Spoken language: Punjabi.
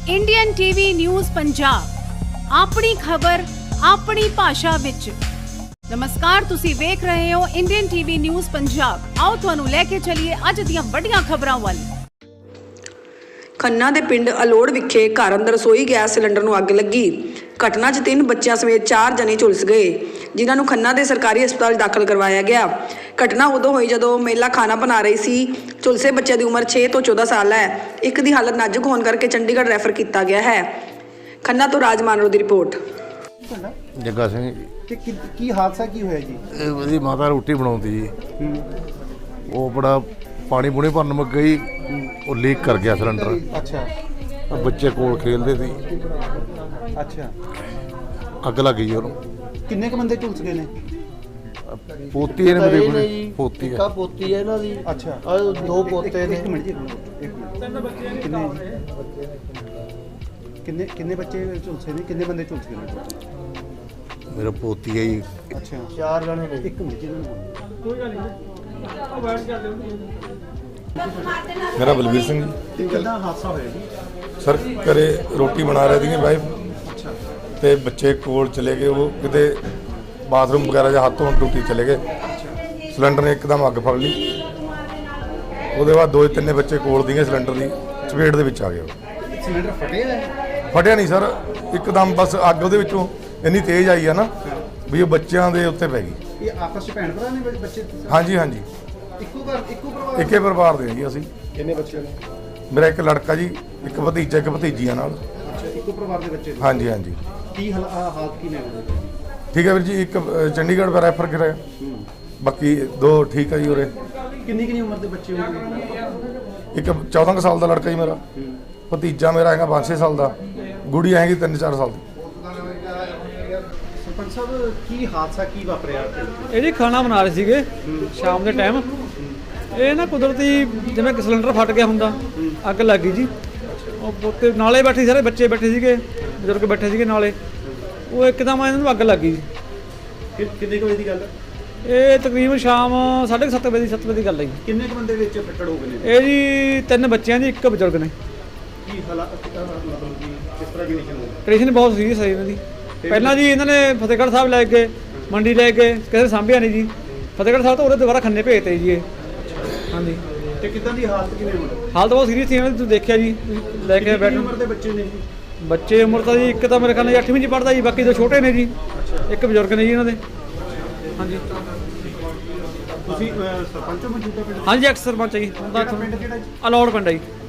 इंडियन टीवी न्यूज़ पंजाब अपनी खबर अपनी भाषा विच। नमस्कार, तुसी वेख रहे हो इंडियन टीवी न्यूज़ पंजाब। आओ तुहानू लेके चलिए अज दियां वड्डियां खबरां वाल। खन्ना दे पिंड अलोड़ विखे घर अंदर रसोई गैस सिलेंडर नूं अग लगी। घटना 'च 3 बच्चों समेत 4 जने झुलस गए, जिन्हां नूं खन्ना दे सरकारी हस्पताल दाखिल करवाया गया। घटना उदों हुई जदों महिला खाना बना रही सी। झुलसे बच्चे की उम्र 6 तो 14 साल है। एक दी हालत नाजुक होने करके चंडीगढ़ रैफर किया गया है। खन्ना तो राज मानरो की रिपोर्ट। जग्गा सिंह की हादसा की होया जी? ਇਹਦੀ ਮਾਤਾ ਰੋਟੀ ਬਣਾਉਂਦੀ ਜੀ, ਉਹ ਬੜਾ ਪਾਣੀ ਪੂਣੀ ਭਰਨ ਮੁੱਕ ਗਈ, ਉਹ ਲੀਕ ਕਰ ਗਿਆ ਸਿਲੰਡਰ। अच्छा ਬੱਚੇ ਕੋਲ ਖੇਲਦੇ ਸੀ, अच्छा ਅੱਗ ਲੱਗ ਗਈ ਉਹਨੂੰ। किन्ने क बंदे झुलस गए ने? ਪੋਤੀ ਇਹਨੇ ਮੇਰੇ ਕੋਲ ਪੋਤੀ ਕਾ ਹੈ। ਪੋਤੀ ਹੈ ਇਹਨਾਂ ਦੀ। अच्छा ਆ ਦੋ ਪੋਤੇ ਨੇ। एक मिनट जी, एक मिनट। किन्ने किन्ने बच्चे झुलसे ने? किन्ने बंदे झुलस गए ने? ਮੇਰਾ ਪੋਤੀ ਹੈ ਜੀ। अच्छा ਚਾਰ ਜਣੇ ਨੇ। एक मिनट जी। मेरा बलबीर सिंह जी। कितना हादसा होया जी? सर घरे रोटी बना रहे थे वाइफ अच्छा ते बच्चे कोल चले गए, वो किते बाथरूम वगैरह ਜਾਂ ਹੱਥ ਧੋਣ ਟੂਟੀ ਚਲੇ ਗਏ। ਸਿਲੰਡਰ ਨੇ ਇੱਕਦਮ ਅੱਗ ਫੜ ਲਈ। ਉਹਦੇ ਬਾਅਦ 2-3 ਬੱਚੇ ਕੋਲ ਦੀਆਂ ਸਿਲੰਡਰ ਦੀ ਚਪੇਟ ਦੇ ਵਿੱਚ ਆ ਗਏ। सिलेंडर फटे है? ਫਟਿਆ ਨਹੀਂ ਸਰ, ਇੱਕਦਮ ਬਸ ਅੱਗ ਉਹਦੇ ਵਿੱਚੋਂ ਇੰਨੀ ਤੇਜ਼ ਆਈ ਆ ਨਾ ਵੀ ਉਹ ਬੱਚਿਆਂ ਦੇ ਉੱਤੇ ਪੈ ਗਈ। ये आपस में भैन भरा ने बच्चे? ਹਾਂਜੀ ਹਾਂਜੀ, इक्को घर इक्को परिवार? ਇੱਕੇ ਪਰਿਵਾਰ ਦੇ ਜੀ ਅਸੀਂ। किन्ने बच्चे ने? ਮੇਰਾ ਇੱਕ ਲੜਕਾ ਜੀ, ਇੱਕ ਭਤੀਜਾ, ਇੱਕ ਭਤੀਜੀਆਂ ਨਾਲ। अच्छा इक्को परिवार के बच्चे ने? ਹਾਂਜੀ ਹਾਂਜੀ, की हालत की ने? ਠੀਕ ਹੈ ਵੀਰ ਜੀ। ਇੱਕ ਚੰਡੀਗੜ੍ਹ ਦਾ ਰੈਫਰ ਕਰਾਇਆ, ਬਾਕੀ 2 ਠੀਕ ਹੈ ਜੀ ਉਰੇ। किन्नी किन्नी उम्र के बच्चे होंगे? ਇੱਕ 14 ਕੁ ਸਾਲ ਦਾ ਲੜਕਾ ਜੀ ਮੇਰਾ, ਭਤੀਜਾ ਮੇਰਾ ਹੈਗਾ 5-6 ਸਾਲ ਦਾ, ਗੁੜੀਆ ਹੈਗੀ 3-4 ਸਾਲ ਦੀ। सरपंच साहब की हादसा की वापरिया? ਇਹ ਜੀ ਖਾਣਾ ਬਣਾ ਰਹੇ ਸੀਗੇ ਸ਼ਾਮ ਦੇ ਟਾਈਮ। ਇਹ ਨਾ ਕੁਦਰਤੀ ਜਿਵੇਂ ਕਿ ਸਿਲੰਡਰ ਫਟ ਗਿਆ ਹੁੰਦਾ, ਅੱਗ ਲੱਗ ਗਈ ਜੀ। ਉਹ ਪੁੱਤੇ ਨਾਲੇ ਬੈਠੇ, ਸਾਰੇ ਬੱਚੇ ਬੈਠੇ ਸੀਗੇ, ਬਜ਼ੁਰਗ ਬੈਠੇ ਸੀਗੇ ਨਾਲੇ। ਉਹ ਇੱਕਦਮ ਇਹਨਾਂ ਨੂੰ ਅੱਗ ਲੱਗ ਗਈ ਜੀ। किन्ने क बजे की गल? ਇਹ ਤਕਰੀਬਨ ਸ਼ਾਮ 7:30 ਵਜੇ 7 ਵਜੇ ਦੀ ਗੱਲ ਹੈ ਜੀ। किन्ने क बंदे विच फट्टड़ हो गए ने? ਇਹ ਜੀ 3 ਬੱਚਿਆਂ ਦੀ, ਇੱਕ ਬਜ਼ੁਰਗ ਨੇ। की हालात मतलब कि किस तरह की कंडीशन है? ਕੰਡੀਸ਼ਨ ਬਹੁਤ ਸੀਰੀਅਸ ਹੈ ਇਹਨਾਂ ਦੀ। ਪਹਿਲਾਂ ਜੀ ਇਹਨਾਂ ਨੇ ਫਤਿਹਗੜ੍ਹ ਸਾਹਿਬ ਲੈ ਗਏ, ਮੰਡੀ ਲੈ ਗਏ, ਕਿਸੇ ਸਾਂਭਿਆ ਨਹੀਂ ਜੀ। ਫਤਿਹਗੜ੍ਹ ਸਾਹਿਬ ਤੋਂ ਉਹਦੇ ਦੁਬਾਰਾ ਖੰਨੇ ਭੇਜਤੇ ਜੀ ਇਹ। ਹਾਂਜੀ, ਤੇ ਕਿਦਾਂ ਦੀ ਹਾਲਤ ਕਿਵੇਂ ਹੋਣੀ? ਹਾਲਤ ਬਹੁਤ ਸੀਰੀਅਸ ਸੀ ਇਹਨਾਂ ਦੀ। ਤੁਸੀਂ ਦੇਖਿਆ ਜੀ, ਤੁਸੀਂ ਲੈ ਕੇ ਕਿੰਨੀ ਬੈਠੇ। ਉਮਰ ਦੇ ਬੱਚੇ ਨੇ ਜੀ? ਬੱਚੇ ਉਮਰ ਤਾਂ ਜੀ ਇੱਕ ਤਾਂ ਮੇਰੇ ਖਿਆਲ ਨਾਲ 8ਵੀਂ 'ਚ ਪੜ੍ਹਦਾ ਜੀ, ਬਾਕੀ 2 ਛੋਟੇ ਨੇ ਜੀ। ਇੱਕ ਬਜ਼ੁਰਗ ਨੇ ਜੀ ਇਹਨਾਂ ਦੇ। ਹਾਂਜੀ ਤੁਸੀਂ ਸਰਪੰਚ ਹੋ ਮੌਜੂਦਾ ਪਿੰਡ? ਹਾਂਜੀ, ਐਕਸ ਸਰਪੰਚ ਹੈ ਜੀ। ਕਿਹੜਾ ਪਿੰਡ ਕਿਹੜਾ ਜੀ? ਅਲੌੜ ਪਿੰਡ ਹੈ ਜੀ।